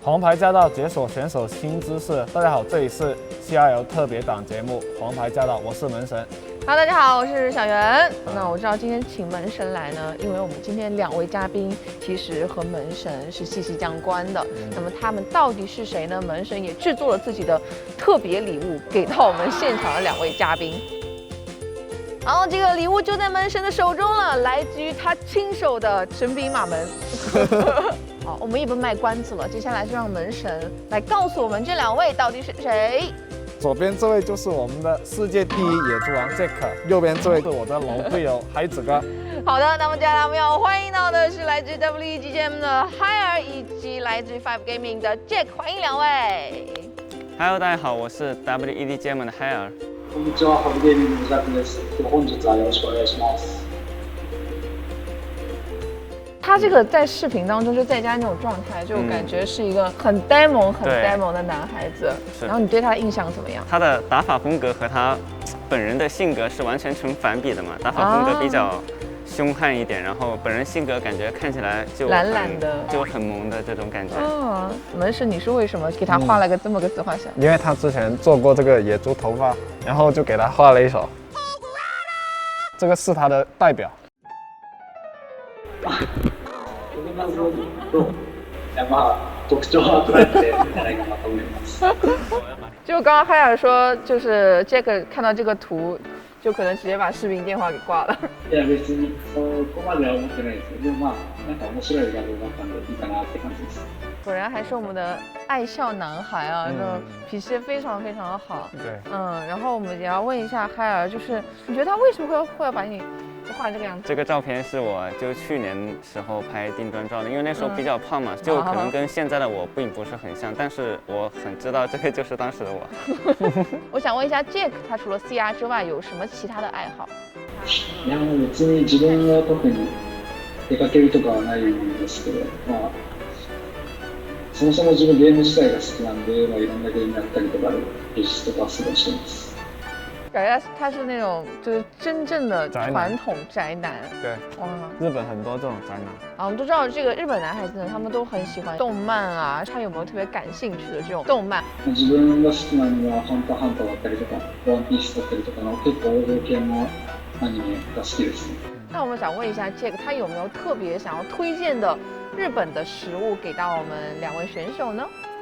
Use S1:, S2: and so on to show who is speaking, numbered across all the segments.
S1: 黄牌驾到解锁选手新知识。大家好，这里是 CRL 特别档节目《黄牌驾到》，我是门神。
S2: Hello， 大家好，我是小袁。那我知道今天请门神来呢，因为我们今天2位嘉宾其实和门神是息息相关的。那么他们到底是谁呢？门神也制作了自己的特别礼物给到我们现场的2位嘉宾。好，这个礼物就在门神的手中了，来自于他亲手的神笔马门。好，我们也不卖关子了，接下来就让门神来告诉我们这2位到底是谁。
S1: 左边这位就是我们的世界第一野猪王 Jack， 右边这位是我的老队友海子哥。
S2: 好的，那么接下来我们要欢迎到的是来自 WEGGM 的 Higher 以及来自 Five Gaming 的 Jack， 欢迎2位。
S3: Hello， 大家好，我是 WEGGM 的 Higher。
S4: こんにちは、Five Gaming のジャックです。本日はよろしくお願いします。
S2: 他这个在视频当中就在家那种状态，就感觉是一个很 demo 的男孩子。然后你对他的印象怎么样？
S3: 他的打法风格和他本人的性格是完全成反比的嘛。打法风格比较凶悍一点，然后本人性格感觉看起来就
S2: 懒懒的，
S3: 就很萌的这种感觉。
S2: 哦，门神，你是为什么给他画了个这么个自画像？
S1: 因为他之前做过这个野猪头发，然后就给他画了一手。这个是他的代表。
S4: まずと特徴は捉えていただいたなと思います。
S2: 就刚刚海尔说，就是 Jack 看到这个图，就可能直接把视频电话给挂了。
S4: いや別にそこまでは思ってないですけど、でもなんか面白い画像だったんでいいかなって感じです。
S2: 果然还是我们的爱笑男孩啊，这种脾气非常非常的好。
S1: 对，
S2: 然后我们也要问一下海尔，就是你觉得他为什么会把你画这个样子？
S3: 这个照片是我就去年时候拍定妆照的，因为那时候比较胖嘛，就可能跟现在的我并不是很像，但是我很知道这个就是当时的我。
S2: 我想问一下 Jack， 他除了 CR 之外有什么其他的爱好？
S4: いや別に自分は特に出かけるとかはないんですけど、そもそも自分ゲーム自体が好きなんで、いろんなゲームやったりとか技術とかすごいしてます。
S2: 感觉他是那种就是真正的传统宅男。
S1: 对，哇，日本很多这种宅男。
S2: 啊，我们都知道这个日本男孩子呢，他们都很喜欢动漫啊。他有没有特别感兴趣的这种动漫？
S4: 自分が好きなのはハンターハンターだったりとか、ワンピースだったりとかの結構王道系のアニメが好きです。
S2: 那我们想问一下 Jack， 他有没有特别想要推荐的日本的食物给到我们2位选手呢？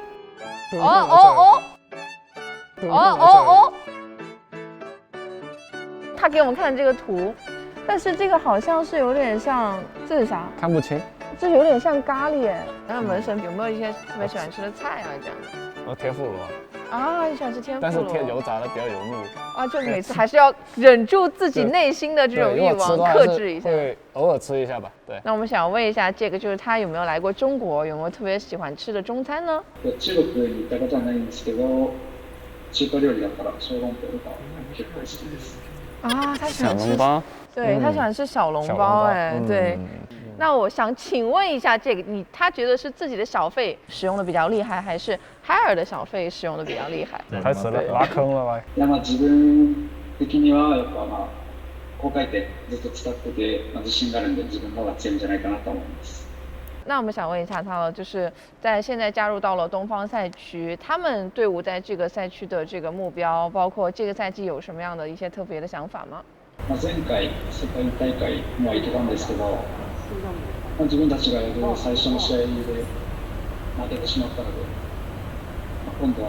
S2: 他给我们看这个图，但是这个好像是有点像，这是啥？
S1: 看不清。
S2: 这有点像咖喱哎。然后门神有没有一些特别喜欢吃的菜啊？这样的？
S1: 我天妇罗。
S2: 啊，你喜欢吃天妇罗？
S1: 但是贴油炸的比较油腻。
S2: 啊，就每次还是要忍住自己内心的这种欲望，克制一下。
S1: 会偶尔吃一下吧。对。
S2: 那我们想问一下这个，就是他有没有来过中国？有没有特别喜欢吃的中餐呢？
S4: 中国に行ったことはないんですけど、中華料理だったら小籠包とか結構好きです。
S2: 啊，他喜欢吃
S3: 小笼包。
S2: 对，他喜欢吃小笼包哎，对。那我想请问一下，这个他觉得是自己的小费使用的比较厉害，还是海尔的小费使用的比较厉害？
S1: 开始拉坑了吧？
S4: いや自分的にはやっぱ高回転ずっと使ってて自信があるんで自分の方が強いんじゃないかなと思います。
S2: 那我们想问一下他了，就是在现在加入到了东方赛区，他们队伍在这个赛区的这个目标，包括这个赛季有什么样的一些特别的想法吗？
S4: 前回世界大会も行けたんですけど、自分たちがやる最初の試合で負けてしまったので、今度は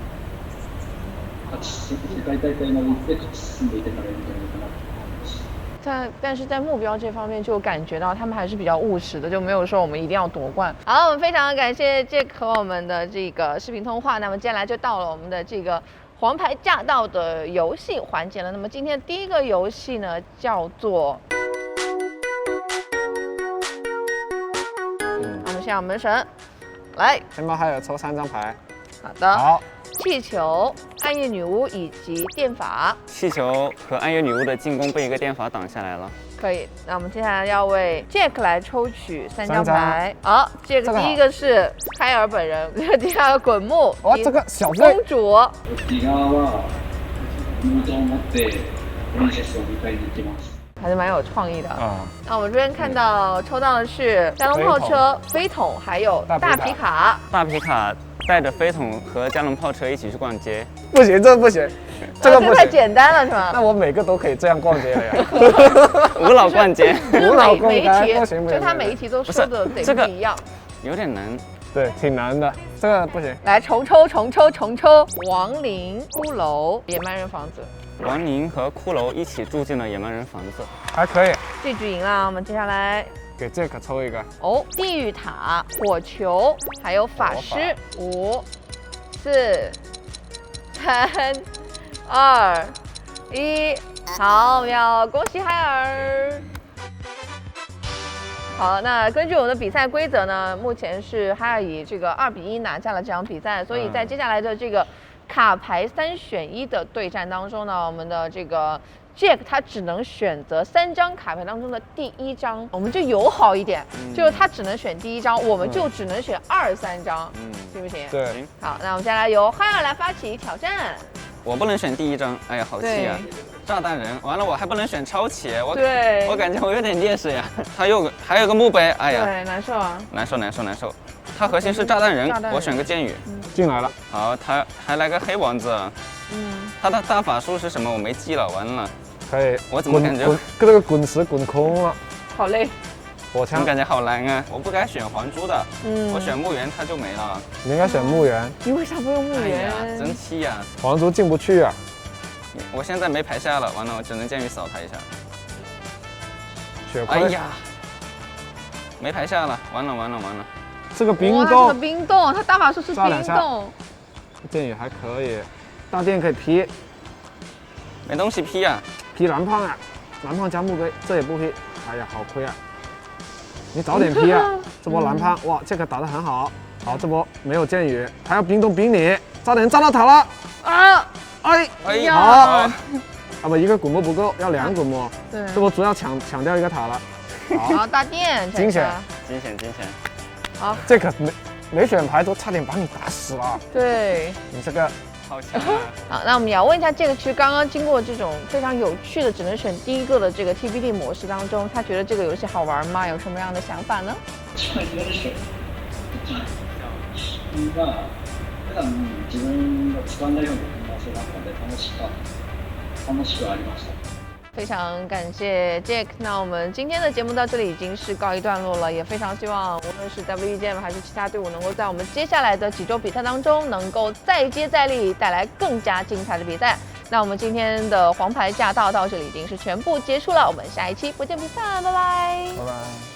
S4: 世界大会まで行って勝ち進んでいけたらいいんじゃないかなと思います。
S2: 但是在目标这方面就感觉到他们还是比较务实的，就没有说我们一定要夺冠。好，我们非常感谢 Jack 和我们的这个视频通话。那么接下来就到了我们的这个黄牌驾到的游戏环节了。那么今天第一个游戏呢叫做，我们先让门神来，
S1: 先帮海尔抽3张牌。
S2: 好的。
S1: 好。
S2: 气球、暗夜女巫以及电法。
S3: 气球和暗夜女巫的进攻被一个电法挡下来了。
S2: 可以，那我们接下来要为 Jack 来抽取3张牌。好，Jack 第一个是海尔本人，第二个滚木。
S1: 哇，这个小
S2: 公主。 还是蛮有创意的。
S1: 啊，
S2: 那我们这边看到抽到的是加农炮车、飞桶，还有大皮卡。
S3: 大皮卡带着飞桶和加农炮车一起去逛街，
S1: 不行，这不行，这个不行。
S2: 太简单了是吗？
S1: 那我每个都可以这样逛街了呀。
S3: 无脑逛街，
S1: 无脑逛
S2: 每一题，
S1: 街不行，
S2: 就他每一题都说的得
S3: 这个
S2: 不一样。
S3: 有点难。
S1: 对，挺难的，这个不行。
S2: 来重抽，亡灵、骷髅、野蛮人房子。
S3: 亡灵和骷髅一起住进了野蛮人房子，
S1: 还可以，
S2: 这局赢了，我们接下来
S1: 给Jack抽一个。
S2: 哦，地狱塔、火球，还有法师。5、4、3、2、1，好秒！恭喜海尔。好，那根据我们的比赛规则呢，目前是海尔以这个2比1拿下了这场比赛，所以在接下来的这个卡牌3选1的对战当中呢，我们的这个 Jack 他只能选择3张卡牌当中的第1张，我们就友好一点，就是他只能选第1张，我们就只能选2、3张，行不行？
S1: 对，
S3: 行。
S2: 好，那我们接下来由海尔来发起挑战。
S3: 我不能选第1张，哎呀，好气啊！炸弹人，完了我还不能选超骑，我感觉我有点劣势呀。还有个墓碑，哎呀，
S2: 对，难受啊，
S3: 难受。它核心是炸弹人，我选个剑雨。
S1: 进来了。
S3: 好，他还来个黑王子。他的大法术是什么？我没记了，完了。
S1: 可以。
S3: 我怎么感觉
S1: 这个滚石滚空了？
S2: 好累。
S1: 火枪
S3: 感觉好难啊！我不该选黄珠的，我选墓园它就没了。
S1: 你应该选墓园。
S2: 你为啥不用墓园？
S3: 真气呀！
S1: 黄珠进不去啊。
S3: 我现在没牌下了，完了我只能剑雨扫他一下。
S1: 血亏。
S3: 哎呀，没牌下了，完了。
S1: 这个冰
S2: 哇，
S1: 冻。
S2: 这个冰冻，他大法术是冰冻。
S1: 剑雨还可以，大电可以劈。
S3: 没东西劈啊！
S1: 劈蓝胖啊！蓝胖加墓碑，这也不劈。哎呀，好亏啊！你早点劈啊！这波蓝胖，哇，这个打得很好。好，这波没有剑雨，还要冰冻冰你，差点炸到塔了啊！
S3: 哎呀！
S1: 好，啊不，一个古墓不够，要2古墓。
S2: 对，
S1: 这波主要抢掉一个塔了。
S2: 好，大电，
S1: 惊险。
S2: 好，
S1: 这个没选牌都差点把你打死了。
S2: 对，
S1: 你这个
S3: 好强啊！
S2: 好，那我们也要问一下这个，其实刚刚经过这种非常有趣的只能选第1个的这个 TBD 模式当中，他觉得这个游戏好玩吗？有什么样的想法呢？
S4: 普段自分が使わないような組み合わせだったので楽しくはありました。
S2: 非常感谢 Jack， 那我们今天的节目到这里已经是告一段落了，也非常希望无论是 WEGM 还是其他队伍能够在我们接下来的几周比赛当中能够再接再厉，带来更加精彩的比赛。那我们今天的黄牌驾到到这里已经是全部结束了，我们下一期不见不散，拜拜。
S1: 拜拜。